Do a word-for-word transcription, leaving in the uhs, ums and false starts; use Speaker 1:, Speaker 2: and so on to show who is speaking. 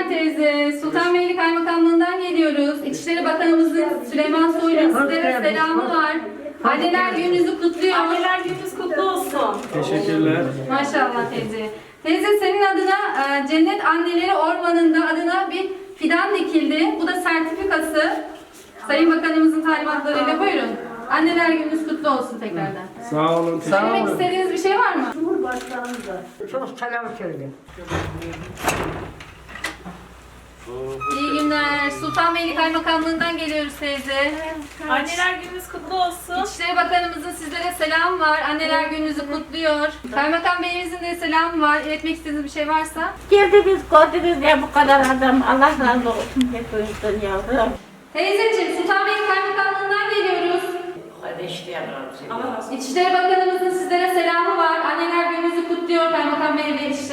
Speaker 1: günler teyze. Sultanbeyli Kaymakamlığından geliyoruz. İçişleri Bakanımızın Süleyman Soylu'nun sizlere selamı var. Anneler gününüzü kutluyor.
Speaker 2: Anneler gününüz kutlu olsun.
Speaker 3: Teşekkürler.
Speaker 1: Maşallah teyze. Teyze senin adına e, Cennet Anneleri Ormanı'nda adına bir fidan dikildi. Bu da sertifikası. Sayın Bakanımızın talimatlarıyla buyurun. Anneler gününüz kutlu olsun tekrardan.
Speaker 3: Sağ olun. Teşekkür
Speaker 1: Söylemek
Speaker 3: ederim.
Speaker 1: istediğiniz bir şey var mı?
Speaker 4: Cumhurbaşkanı da çok selam söyle.
Speaker 1: İyi günler. Sultanbeyli Kaymakamlığından geliyoruz teyze.
Speaker 2: Anneler gününüz kutlu olsun.
Speaker 1: İçişleri Bakanımızın sizlere selamı var. Anneler gününüzü kutluyor. Kaymakam Beyimizin de selamı var. İletmek istediğiniz bir şey varsa.
Speaker 5: Geldiniz, gördünüz ya bu kadar adam. Allah razı olsun hepinizden yavrum.
Speaker 1: Teyzeciğim Sultanbeyli Kaymakamlığından geliyoruz. İçişleri Bakanımızın sizlere selamı var. Anneler gününüzü kutluyor Kaymakam Bey ve İçişleri